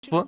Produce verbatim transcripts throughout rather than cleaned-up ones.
뭐?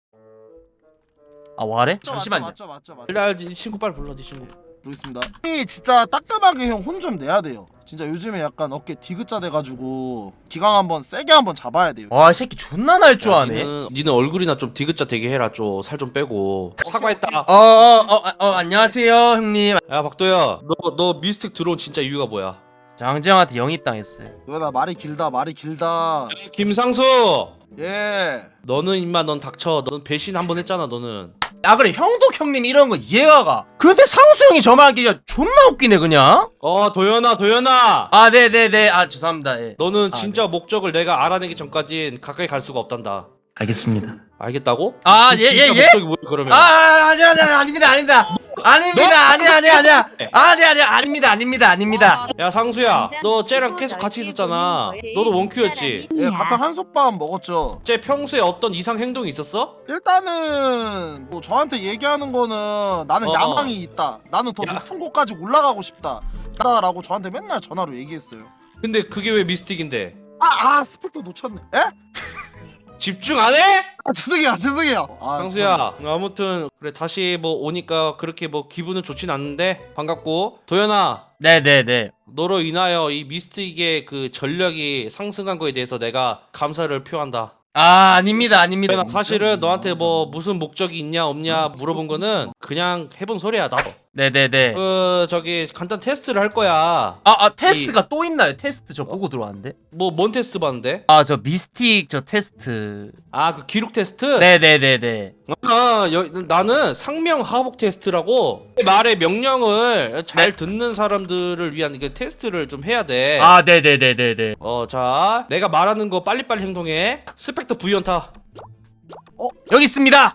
아 와래? 잠시만요. 맞죠 맞죠 맞죠. 일단 이 친구 빨리 불러, 네 친구. 부르겠습니다. 이 진짜 따끔하게 형 혼 좀 내야 돼요. 진짜 요즘에 약간 어깨 디귿자 돼가지고 기강 한번 세게 한번 잡아야 돼요. 와 이 새끼 존나 날 줄 야, 아네. 니는, 니는 얼굴이나 좀 디귿자 되게 해라. 좀 살 좀 빼고. 사과했다. 어어어 어, 어, 안녕하세요 형님. 야 박도야, 너 너 미스틱 들어온 진짜 이유가 뭐야? 장지영한테 영입당했어요. 왜나 말이 길다 말이 길다. 김상수, 예. 너는 임마 넌 닥쳐. 넌 배신 한 번 했잖아. 너는. 아 그래 형도 형님 이런 거 이해가 가. 근데 상수 형이 저 말하기 존나 웃기네 그냥. 어 도연아, 도연아. 아 네네네 아 죄송합니다. 예. 너는 아, 진짜 목적을 내가 알아내기 전까진 가까이 갈 수가 없단다. 알겠습니다. 알겠다고? 아, 그 예, 진짜 예, 예? 목적이 뭐야 그러면? 아, 아 아니 아니 아니 아닙니다 아닙니다 아닙니다 아니 아니 아니야 아니 아니 아닙니다 아닙니다 아닙니다. 야 상수야, 너 쟤랑 계속 같이 있었잖아. 너도 원큐였지? 예, 각각 한솥밥 먹었죠. 쟤 평소에 어떤 이상 행동이 있었어? 일단은 뭐 저한테 얘기하는 거는 나는 어. 야망이 있다. 나는 더 야. 높은 곳까지 올라가고 싶다. 라고 저한테 맨날 전화로 얘기했어요. 근데 그게 왜 미스틱인데? 아, 아 스펙터 놓쳤네. 에? 집중 안 해? 아 죄송해요 죄송해요. 아, 상수야, 아무튼 그래 다시 뭐 오니까 그렇게 뭐 기분은 좋진 않는데 반갑고. 도연아, 네네네. 너로 인하여 이 미스틱의 그 전력이 상승한 거에 대해서 내가 감사를 표한다. 아 아닙니다 아닙니다. 도연아, 사실은 너한테 뭐 무슨 목적이 있냐 없냐 물어본 거는 그냥 해본 소리야. 나도 네네네. 그 저기 간단 테스트를 할 거야. 아, 아 테스트가 또 있나요? 테스트 저 보고 들어왔는데. 뭐 뭔 테스트 봤는데? 아 저 미스틱 저 테스트. 아 그 기록 테스트? 네네네네. 아, 여, 나는 상명 하복 테스트라고 말의 명령을 잘 네. 듣는 사람들을 위한 그 테스트를 좀 해야 돼. 아 네네네네네. 어, 자, 내가 말하는 거 빨리빨리 행동해. 스펙터 V연타. 여기 있습니다.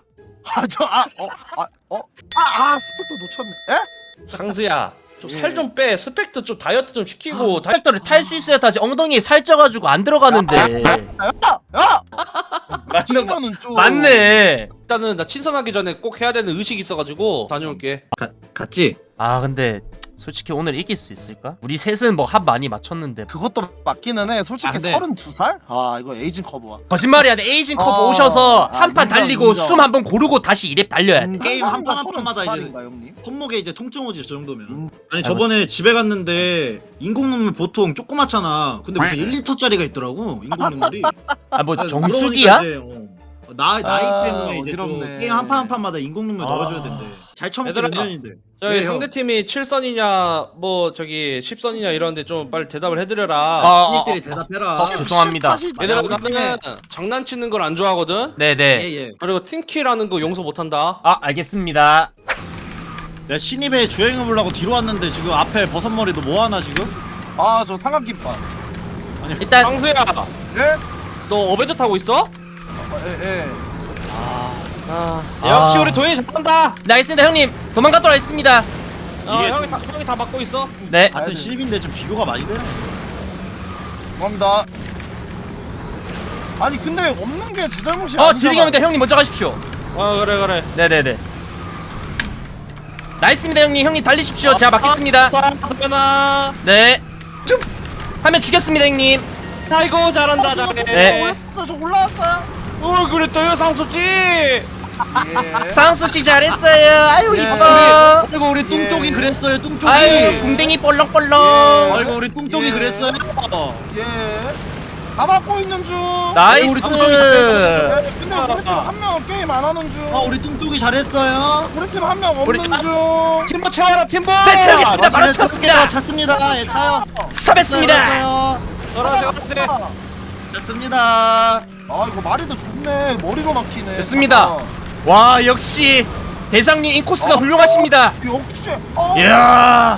아저아어아어아아 아, 스펙터 놓쳤네. 에? 상수야, 좀 예. 살 좀 빼. 스펙터 좀 다이어트 좀 시키고. 다... 트랙터를 탈 수 있어야 다시 엉덩이에 살쪄가지고 안 들어가는데. 야! 야! 맞는 거는 좀 맞네. 일단은 나 친선하기 전에 꼭 해야 되는 의식이 있어가지고 다녀올게. 갔지? 아 근데 솔직히 오늘 이길 수 있을까? 우리 셋은 뭐 합 많이 맞췄는데 그것도 맞기는 해. 솔직히 아, 근데- 서른두 살? 아 이거 에이징 커브야. 거짓말이야. 에이징 커브 어. 오셔서 아, 한 판 인정, 달리고 인정. 숨 한 번 고르고 다시 이랩 달려야 돼. 게임 한 판 한 판마다 이제- 살인가 형님? 손목에 이제 통증 오지 저 정도면. 음. 아니 저번에 집에 갔는데 인공 눈물 보통 조그맣잖아. 근데 무슨 일 리터짜리가 있더라고 인공 눈물이. 아 뭐 그래서 정수기야? 물어보니까 이제, 어, 나 나이 아, 때문에 이제 좀 어지럽네. 게임 한 판 한 판마다 인공 눈물 아. 넣어줘야 된대. 잘 처먹게 얘들아. 몇 년인데. 저기 네, 상대팀이 칠 선이냐, 뭐 저기 십 선이냐 이러는데 좀 빨리 대답을 해드려라. 아, 아, 형님들이 대답해라. 어, 죄송합니다. 얘들아, 우리 나는 장난치는 걸 안 좋아하거든? 네네. 예예. 그리고 팀키라는 거 용서 못한다. 아 알겠습니다. 내가 신입에 주행해 보려고 뒤로 왔는데 지금 앞에 버섯머리도 뭐 하나 지금? 아저 삼각김밥. 일단 상수야, 예? 너 어벤져 타고 있어? 어, 예 예. 아, 아. 역시 우리 도현이 잘한다. 네 알겠습니다 형님. 도망가도록 하겠습니다. 어, 이게 형이 다, 형이 다 막고 있어. 네. 같은 신입인데 좀 비교가 많이 되네. 고맙니다. 아니 근데 없는 게 제 잘못이 어 아니잖아. 드리겠습니다 형님 먼저 가십시오. 어 그래 그래. 네네네. 나이스입니다 형님. 형님 달리십시오. 제가 막겠습니다. 도현아. 네. 좀 하면 죽였습니다 형님. 아이고 잘한다 잘해. 네. 올라왔어 저 올라왔어요. 어 그래 도현 상수지. 예. 상수 씨 잘했어요. 아유 예. 이뻐. 아이고 우리 뚱쪽이 예. 그랬어요 뚱쪽이. 아유 궁뎅이 볼렁볼렁. 아이고 우리 뚱쪽이 예. 그랬어요. 예. 다 막고 있는 중. 나이스. 우리 예, 근데 우리 팀 한 명 게임 안 하는 중. 아 우리 뚱쪽이 잘했어요. 우리 팀 한 명 우리 없는 중. 팀버 채워라 팀버. 네 채우겠습니다. 바로 쳤습니다. 찼습니다. 예 차요. 섭했습니다. 떨어져 그래. 아 찼습니다. 이거 말이 더 좋네. 머리로 막히네. 됐습니다. 아, 와 역시 대장님 인코스가 어, 훌륭하십니다. 역시. 어. 이야.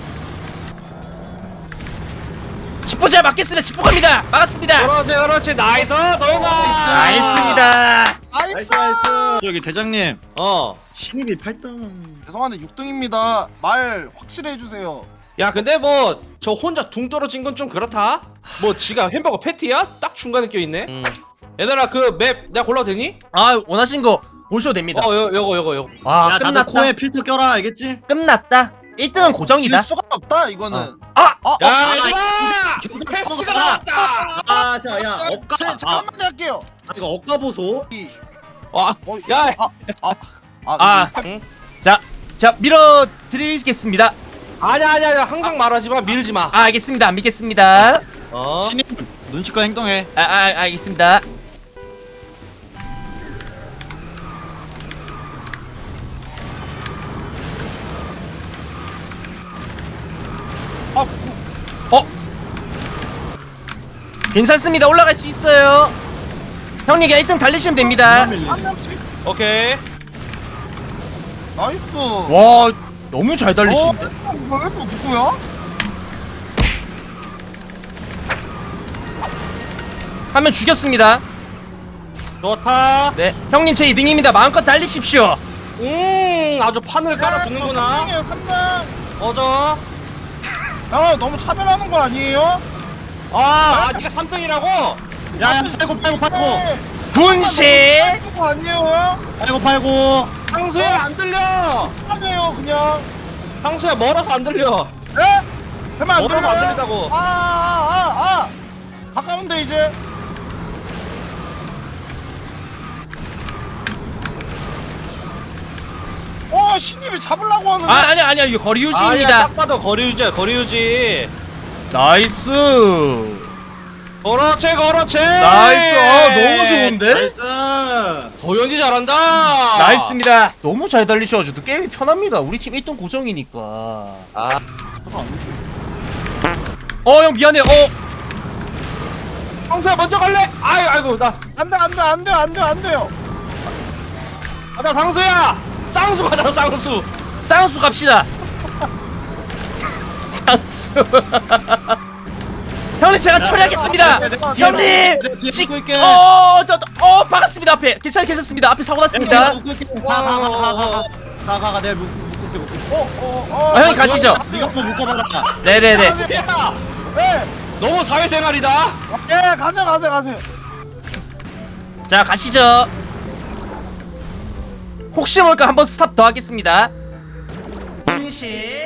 집보자 맞겠습니다. 집보 갑니다. 막았습니다. 그렇지 그렇지 나이스 도현아. 나이스입니다. 나이스. 저기 대장님 어. 신입이 팔 등. 죄송한데 육 등입니다. 말 확실히 해주세요. 야 근데 뭐 저 혼자 둥 떨어진 건 좀 그렇다. 뭐 지가 햄버거 패티야? 딱 중간에 껴있네. 음. 얘들아 그 맵 내가 골라도 되니? 아 원하신 거 보셔도 됩니다. 어 요, 요거 요거 요거. 와 야 다들 끝났다. 코에 필터 껴라 알겠지? 끝났다. 일 등은 고정이다. 질 수가 없다 이거는. 어. 아! 어, 야 어, 얘들아 패스가 나왔다. 아자야 억가. 제, 제가 아, 한마디 할게요. 아 이거 억가 보소. 이 와, 어, 야, 아, 아, 아, 아. 응? 자, 자 밀어드리겠습니다. 아니야, 아니야, 아니야. 항상 말하지만 밀지 마. 아, 알겠습니다. 안 믿겠습니다. 어? 신임 눈치껏 행동해. 아, 아 알겠습니다. 아, 어? 괜찮습니다. 올라갈 수 있어요. 형님 그냥 일 등 달리시면 됩니다. 한 명씩. 오케이. 나이스. 와, 너무 잘 달리시네. 어, 이거 왜 또 누구야? 한 명 죽였습니다. 좋다. 네, 형님 제 이 등입니다. 마음껏 달리십시오. 음, 아주 판을 깔아주는구나. 삼 등이에요, 삼 등. 어저. 야, 너무 차별하는 거 아니에요? 아, 아, 네가 삼 등이라고? 야야 팔고 팔고 팔고 네. 군시. 차별하는 거 아니에요? 팔고 팔고. 상수야 안 들려. 하네요, 그냥. 상수야 멀어서 안 들려. 예? 되면 안 멀어서 들려요? 안 들린다고. 아, 아, 아, 아. 가까운데 이제. 어, 신입이 잡으려고 하는데. 아, 아니 아니야. 이거 거리 아니야, 유지입니다. 딱 봐도 거리 유지야, 거리 유지. 나이스. 그렇지, 그렇지. 나이스. 어, 너무 좋은데? 나이스. 도현이 잘한다. 나이스입니다. 너무 잘 달리셔가지고 게임이 편합니다. 우리 팀 일 등 고정이니까. 아, 어, 형 미안해. 어, 상수야 먼저 갈래? 아이, 아이고 나. 안 돼, 안 돼, 안 돼, 안 돼, 안 돼요. 가자 상수야. 쌍수 가자 쌍수. 쌍수 갑시다. 쌍수. 형님 제가 처리하겠습니다. 형님. 지, 있게. 어, 어, 어, 어, 박았습니다 앞에. 괜찮, 괜찮습니다. 앞에 사고 났습니다. 가가가가가가가 내가 묶을게 묶을게. 어, 어, 어. 아, 형님 가시죠. 네가 한번 묶어봐라. 네네네. 상수야. 네. 너무 사회생활이다. 예, 가세요, 가세요, 가세요. 자, 가시죠. 혹시 모를까 한번 스탑 더 하겠습니다. 분실.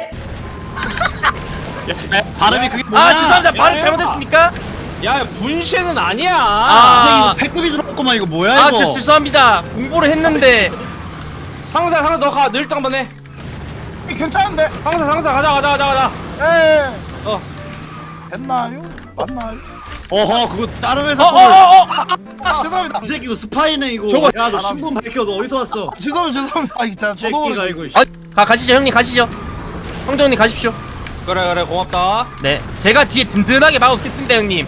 발음이 그게 뭐야? 아, 죄송합니다. 발음 야, 잘못했습니까? 야 분쉐는 아니야. 아. 이거 패급이 들어갔구만 이거 뭐야 아, 이거? 저 죄송합니다. 공부를 했는데. 상수야 상수 너가 늘장 한번 해. 괜찮은데. 상수 상수 가자 가자 가자 가자. 예. 어. 됐나요? 맞나요? 어허 그거 다른 어, 회사 어, 거를. 어, 어. 아, 죄송합니다. 이 새끼 이거 스파이네 이거. 저거- 야너 신분 밝혀. 너 어디서 왔어? 죄송합니다, 죄송합니다. 아, 진짜 저도 새끼가 모르게. 이거. 아, 가 가시죠, 형님 가시죠. 형도 형님 가십시오. 그래 그래 고맙다. 네, 제가 뒤에 든든하게 막았겠습니다, 형님.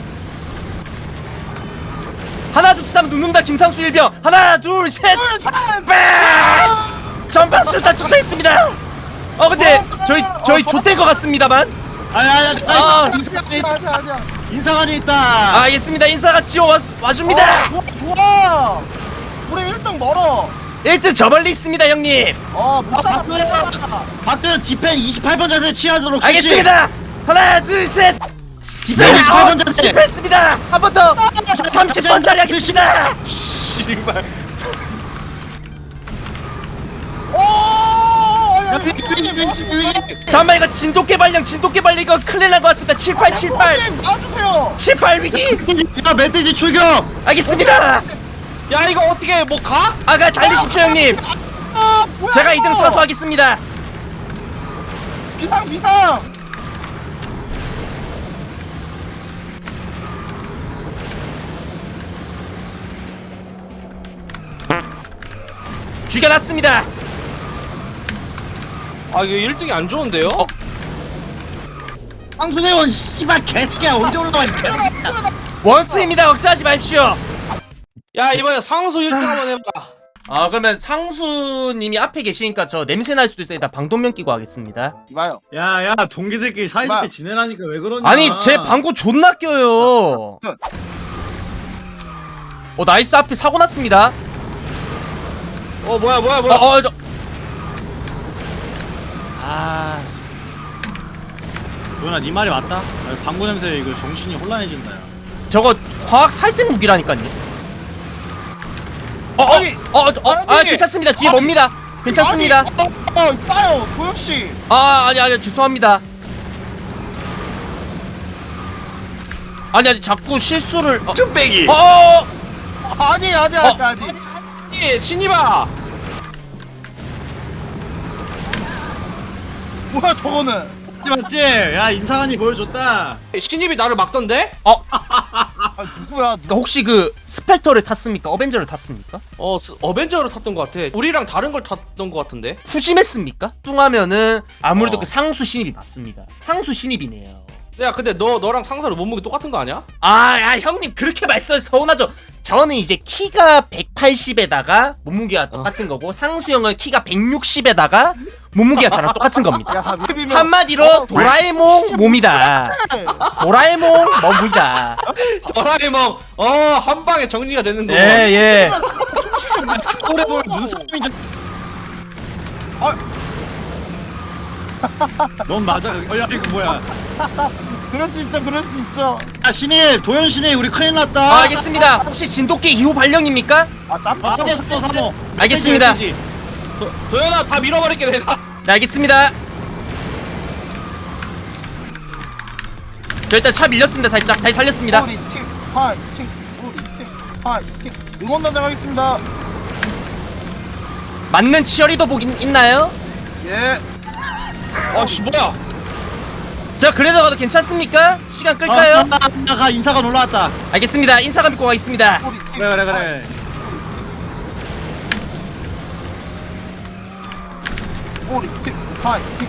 하나 둘 셋 하면 눕는다. 김상수 일병. 하나 둘 셋. 둘, 셋. 빵! 전방수 다 쫓아 있습니다. 어, 근데 저희 저희 좆된 것 같습니다만. 아니 아니 아니. 아. 아니, 아니야, 아니야, 아니야. 인사관이 있다. 아, 알겠습니다. 인사가 지어 와, 와줍니다. 어, 좋아, 좋아. 우리 일 등 멀어. 일 등 저 멀리 있습니다, 형님. 어, 못 잡아, 못 박도현. 잡아. 박도현 디펜 이십팔 번 자세 취하도록. 지시. 알겠습니다. 하나 둘 셋. 이십팔 번 자세. 실패했습니다. 한 번 더. 삼십 번 짜리 하겠습니다. 씨발. 오, 야, 위, 위, 위, 위, 위. 잠깐만, 이거 진돗개 발령 진돗개 발령 이거 큰일 난 것 같습니다. 칠팔 칠팔 놔주세요. 칠팔 위기. 야 멧돼지 출격. 알겠습니다. 야 이거 어떻게 뭐 가? 아, 그냥 달리십시오, 형님. 아, 뭐야, 제가 이거. 이 등 사수하겠습니다. 비상, 비상. 죽여놨습니다. 아 이거 일 등이 안 좋은데요? 어. 황수대원 씨발 개새끼야 언제 올라와 이 개새끼야. 원투입니다. 걱정하지 마십시오. 야 이번에 상수 일 등 한번 해봐. 아, 그러면 상수님이 앞에 계시니까 저 냄새 날 수도 있으니까 방독면 끼고 하겠습니다. 이봐요. 야야 동기들끼리 사이좋게 마. 지내라니까 왜 그러냐. 아니, 제 방구 존나 껴요. 어, 나이스. 앞에 사고 났습니다. 어 뭐야 뭐야 어, 뭐야. 어, 저... 아, 도현아 네 말이 맞다. 아, 방구 냄새 이거 정신이 혼란해진다 야. 저거 화학 살생 무기라니까요. 어, 어, 아니, 어, 어, 어, 아, 아니. 괜찮습니다. 뒤에 아니. 뭡니다. 괜찮습니다. 아니, 어, 어, 있다요, 도현 씨. 아, 아니, 아니, 죄송합니다. 아니, 아니, 자꾸 실수를. 어, 좀 빼기. 어, 어, 아니, 아니, 어. 아니, 아니. 신이 신이봐. 뭐야 저거는? 맞지 맞지? 야 인상한이 보여줬다. 신입이 나를 막던데? 아 누구야? 그러니까 혹시 그 스펙터를 탔습니까? 어벤져를 탔습니까? 어 스, 어벤져를 탔던 것 같아. 우리랑 다른 걸 탔던 것 같은데. 후심했습니까? 뚱하면은 아무래도 어. 그 상수 신입이 맞습니다. 상수 신입이네요. 야 근데 너 너랑 상사로 몸무게 똑같은 거 아니야? 아, 야, 형님 그렇게 말씀 서운하죠. 저는 이제 키가 백팔십에다가 몸무게가 똑같은 거고 상수 형은 키가 백육십에다가 몸무게가 저랑 똑같은 겁니다. 야 맵이면 한마디로 어, 도라에몽 몸이다. 도라에몽 몸이다. 도라에몽 어 한 방에 정리가 되는 거. 예, 예. 오래 보면 눈썹이 좀. 넌 맞아. 어, 야 이거 뭐야? 그럴 수 있죠, 그럴 수 있죠. 야 신입, 도현 신입 우리 큰일 났다. 아, 알겠습니다. 혹시 진돗개 이 호 발령입니까? 아 짬. 아, 삼호 속도 삼호. 알겠습니다. 도, 도현아 다 밀어버릴게 내가. 네, 알겠습니다. 저 일단 차 밀렸습니다. 살짝 다시 살렸습니다. 우리 팀 파이팅, 우리 팀 파이팅. 응원단장 하겠습니다. 맞는 치어리더 복 있- 있나요? 예. 아씨 뭐야? 저 그래도 가도 괜찮습니까? 시간 끌까요? 아, 인사가 인사가 올라왔다. 알겠습니다. 인사가 믿고 가겠습니다. 우리 팀. 그래 그래 그래. 우리 팀 파이팅.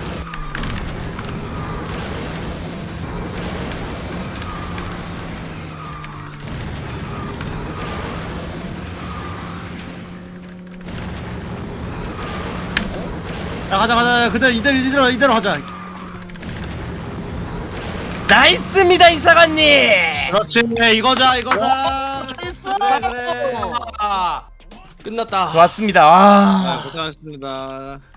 야 가자 가자. 그대로 이대로 이대로 이대로 하자. 나이스입니다, 이사관님. 그렇지 이거자 이거자. 있어. 그래 그래. 아 끝났다. 좋았습니다. 아. 고생하셨습니다.